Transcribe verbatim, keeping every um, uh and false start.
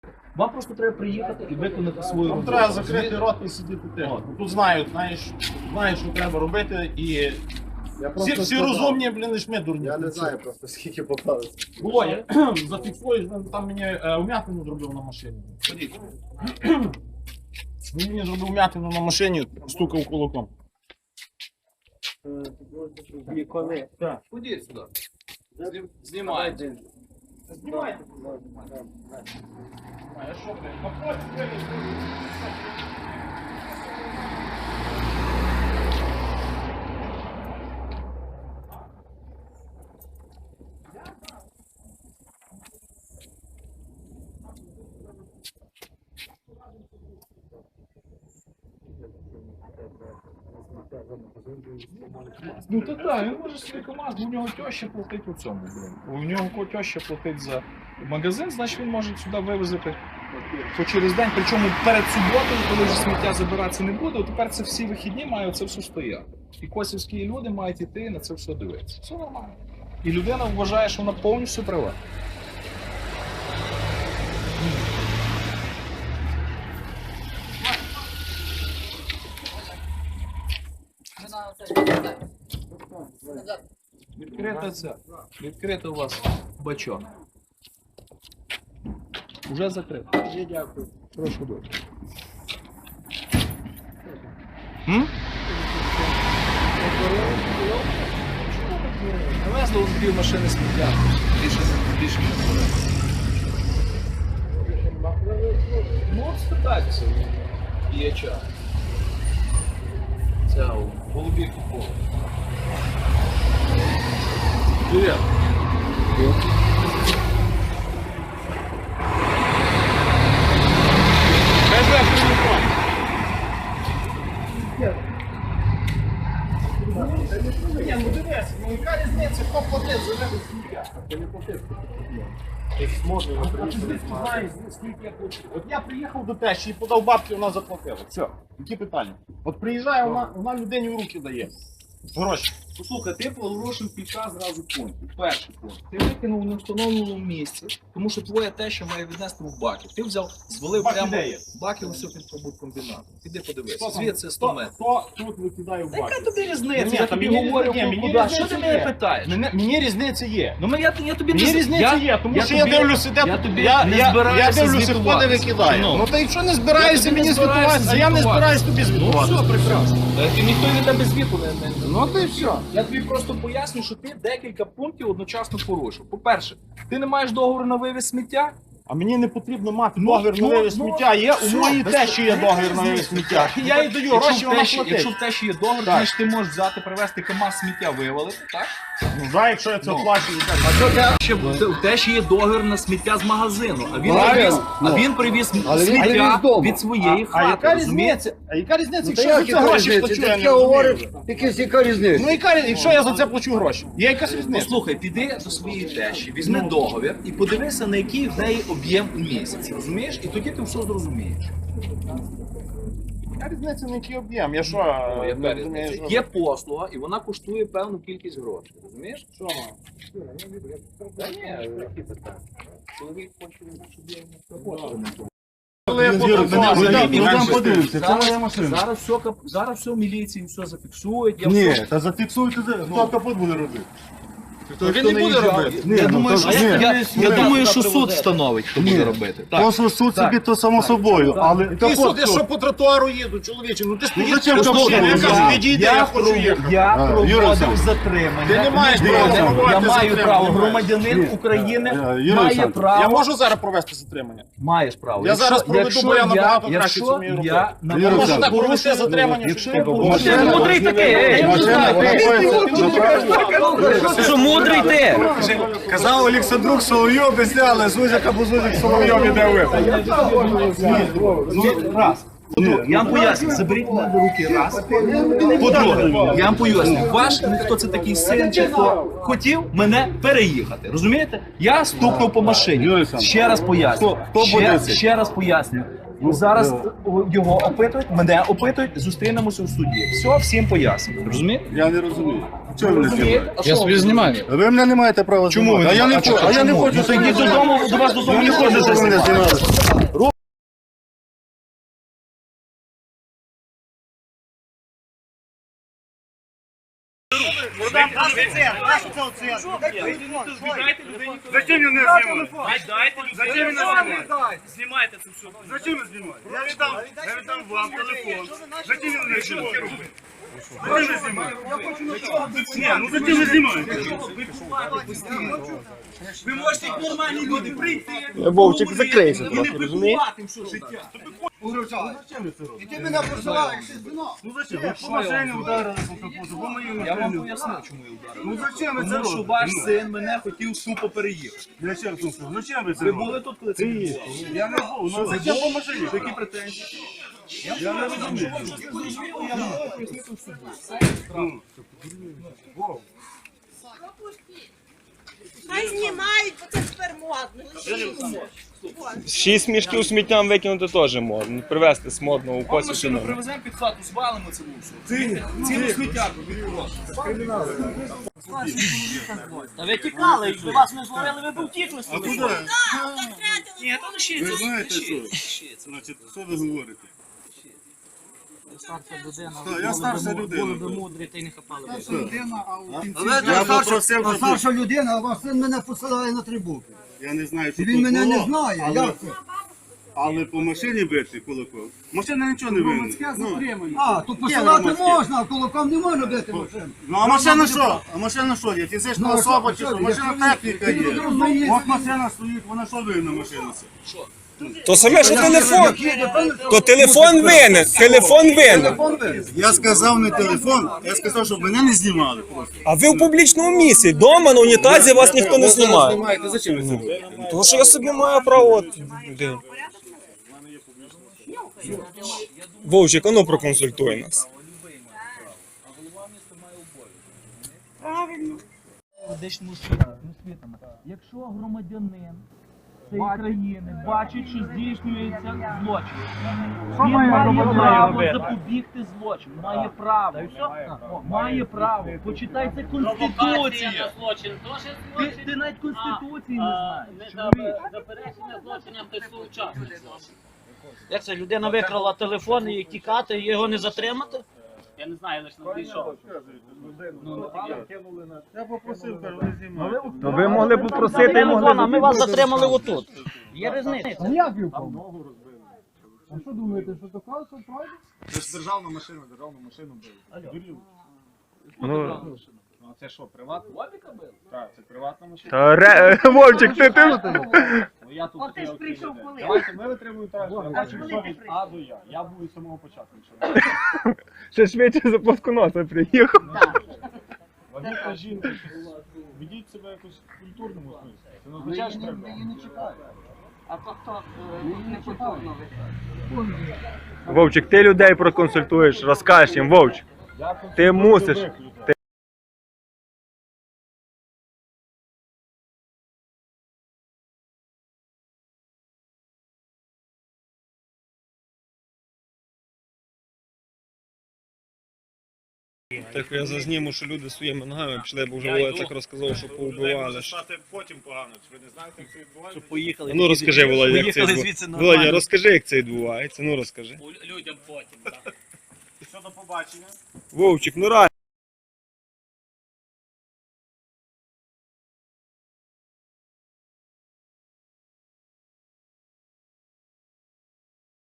Вам просто треба приїхати і виконати свою Там роботу. треба закрити рот і сидіти тихо. Тут знають, знаєш, знають, що треба робити, і Я всі, всі сказав. розумні, блін, лиш ми дурні. Я не знаю просто скільки попалось. Володя, зафіксуєш, він там мені е, вмятину зробив на машині. Ходіть. Він мені зробив вмятину на машині, стукав кулаком. І коли? Так. Ходіть сюди. Знімайте. Знімайте. А я що, блін, напроти виліз. Ну то так, він може собі команду, у нього теща платить у цьому, блин. У нього теща платить за магазин, значить він може сюди вивезти по через день, причому перед суботою, коли вже сміття забиратися не буде, тепер це всі вихідні мають це все стояти. І косівські люди мають йти на це все дивитися. Все нормально. І людина вважає, що вона повністю права. Відкрита ця. Відкрита у вас бачок. Уже закрито. Ні, дякую. Прошу дуже. М? Навезли у дві машини сміття. Більше, більше не буде. Ну, от спитайтеся, є час. Це у голубі купол. Привіт. Кажи, телефон. Ні, ну дивись, ну яка різниця, хто платить за вивіз сміття? Ти не платив. Можна, а ти звідки знаєш, скільки я плачу? От я приїхав до тещі і подав бабки, вона заплатила. Все, які питання? От приїжджає, вона, вона людині в руки дає. Гроші. Послухай, ти порушив кілька зразу пунктів. Перший пункт. Ти викинув у невстановленому місці, тому що твоя теща має віднести в баки. Ти взяв, звалив Баки прямо де є? баки ось під побуткомбінатом. Піди подивися. Хто там? Звідси сто Хто- метрів. Хто тут викидає в Та баки? яка тобі різниця? Ні, Я та тобі мені говорю, різниця- ні, мені куди. Що різниця ти мене є. питаєш? Мені, мені різниця є. Ну я, я тобі Мені не різниця я, є, тому я що я тобі- дивлюся, де я тут- тобі я, не я, я збираюся дивлюся, хто не звітуватися. викидає. Ну. Ну та якщо не збираєшся Я тобі мені не збираюся звітуватися, а я не звітуватися. збираюсь тобі Ну звітуватися. все, прекрасно. Та ти ніхто від тебе звіту не, не, не Ну ти все. Я тобі просто поясню, що ти декілька пунктів одночасно порушив. По-перше, ти не маєш договору на вивіз сміття. А мені не потрібно мати Ну, договір на ну, вивіз ну, сміття. Є у все, моїй без- тещі є без договір на вивіз різниці. сміття. Я їй даю Якщо гроші, в вона тещі- платить. Якщо в тещі є договір, Так. значить ти можеш взяти, привезти КамАЗ сміття вивалити, так? Ну, за, якщо я це Ну. плачу, А що те, ще в тещі є договір на сміття з магазину, а він Правильно. привіз, а Ну. він привіз Але він сміття привіз дома. від своєї а хати. яка розумієш? різниця? А яка різниця, Ну, та якщо я як за це яка гроші різниця? плачу, Ти я не таке говориш, розумію. якась яка різниця? Ну яка різниця, якщо я за це плачу гроші? Є якась різниця? Послухай, піди до своєї тещі, візьми Ну. договір і подивися, на який в неї об'єм у місяць. Розумієш? І тоді ти все зрозумієш. Яка різниця, на який об'єм? Я що, Ну, не яка розумію, різниця? що? Є послуга, і вона коштує певну кількість грошей. Розумієш? Що? Та ні, які питання. Чоловік хоче, щоб я йому роботу. Коли я Мене подав, взагалі ну, менше там стиль. подивимося, це Зараз- моя машина. Зараз все, кап- зараз все в міліції, все зафіксують. Я Ні, все- та зафіксуйте, хто капот буде робити. Він не буде робити. Ні, Я ну, думаю, то- що, ні, я, ні, я ні. думаю, що суд встановить, хто буде робити. Так. То, що суд Так. собі, то само собою, але Ти капот суди, хто? що по тротуару їду, чоловіче, ну ти ж Ну, поїдь зачем до капот машини, я робити? кажу, Я- відійди, Я, я хочу пров- їхати. я А, Юрій проводив Олександрович. затримання. Ти не маєш Ні, права я- проводити Я маю затримання. право, Ні. громадянин Ні. України Е, Юрій має Олександрович, право. Я можу зараз провести затримання? Маєш право. Я зараз проведу, бо я набагато краще якщо це вмію робити. я на Юрій Я можу Олександрович, так провести порушую- затримання, якщо що я ти порушую- Машина- Ти мудрий такий, ей! Машина Ти що, мудрий ти? Казав Олександрук Соловйов без але Зузяк або Зузяк Соловйов іде випадок. Ну, раз. По-друге, я вам поясню, заберіть мене до руки раз. По-друге, я вам поясню, ваш хто це такий син, чи хто хотів мене переїхати. Розумієте? Я стукнув по машині. Юрій Олександрович, Ще раз поясню. хто- хто Ще, буде це? ще раз поясню. Зараз його опитують, мене опитують, зустрінемося в суді. Все, всім поясню. Розумієте? Я не розумію. Чого ви не знімаєте? Я собі знімаю. Ви мене не маєте права знімати. А я не хочу, а я не хочу. Ну, то йдіть додому, до вас додому не Не хочу, ходити. щоб мене знімали. знайшов це? Віддайте людині. Зачем він не знімає? Віддайте Зачем людині. він не знімає? Знімайте це все. Зачем він знімає? Я віддам, я віддам вам телефон. Зачем він не знімає? Зачем він знімає? Ні, ну зачем він знімає? Ви можете як нормальні люди прийти. Вовчик закрийся і не трохи, розумієш? пикувати їм все життя. І ти мене посилаєш, ти звіно. Ну зачем? Ви по машині ударили по капоту, по моїй Я вам машині. поясню, чому я ударив. Ну зачем ви це Тому що робите? ваш Ну, син мене хотів тупо переїхати. Я ще раз вам скажу, зачем ви це Ви робите? були тут, коли це було? Я не був, ну зачем по машині? Які претензії? Я не розумію. Хай знімають, бо це тепер модно. Шість мішків сміттям викинути теж можна. Привезти з модного у Ми косі машину чи привеземо під хату, звалимо це все. Цілу сміттярку відкривати. Та ви тікали, якби вас не зловили, ви б втікли з А того. куди? Ні, то лишиться. Ви знаєте лишиться. що? Значить, що ви говорите? Старша людина, Так, я старша людина. були б мудрі, та й не хапали б. Я попросив, А щоб... старша людина, а ваш син мене посилає на три букви. Я не знаю, що Він тут мене не було, знає, але- як це? Але по машині бити кулаком. Машина нічого не винна. Ну, А, то посилати можна, а кулаком не можна бити машину. ну а машина що? А машина що є? Фізична Ну, а особа що- чи що? що? Машина Якщо- техніка Ти є. не розумієш. От машина стоїть, вона що винна машина? це? То саме, що телефон. То телефон винен, телефон винен. Я сказав не телефон, я сказав, щоб мене не знімали просто. А ви в публічному місці, вдома на унітазі вас ніхто не знімає. Знімаєте, зачем ви це робите? Тому що я собі маю право. от, де. Вовчик, а ну проконсультуй нас. Медичними освітами. Якщо громадянин цієї країни бачить, що здійснюється злочин, він має право запобігти злочину, має право. О, має право. Почитай, це Конституція. Злочин теж Ти, злочин. ти навіть Конституції не А, знаєш. не Чоловік. за- заперечення злочинам ти своєчасний злочин. Як це, людина викрала телефон і тікати, і його не затримати? Я не знаю, лише не дійшов. Я попросив, кажу, не знімайте. То ви могли б попросити і Телефон, а могли ми б. вас затримали отут. Є різниця. Як він впав? А що думаєте, що то правда? Це ж державна машина, державну машину били. Ну, Ну а це що, приватна? Вовіка бив? Так, це приватна машина. та ре... Вовчик, ти ти. Ну я тут От ти ж такий прийшов окрім коли? людей. Давайте ми витримуємо так, що я бачу, коли що ти від прийшов? А до Я. Я був із самого початку. Нічого. Ще швидше за плосконоса приїхав. Вагітна жінка, ведіть себе якось в культурному смислі. Це не означає, що треба. А то хто не культурно виходить? Вовчик, ти людей проконсультуєш, розкажеш їм, Вовчик. Я Ти консультую мусиш. любих людей. Так я зазніму, що люди своїми ногами пішли, бо вже Володя так розказав, що поубивали. Потім погано, ви не знаєте, як це відбувається? Поїхали. Ну розкажи, Володя, як це Поїхали звідси відбувається. нормально. Володя, розкажи, як це відбувається. Ну розкажи. У- Людям потім, так. Що до побачення? Вовчик, ну реально.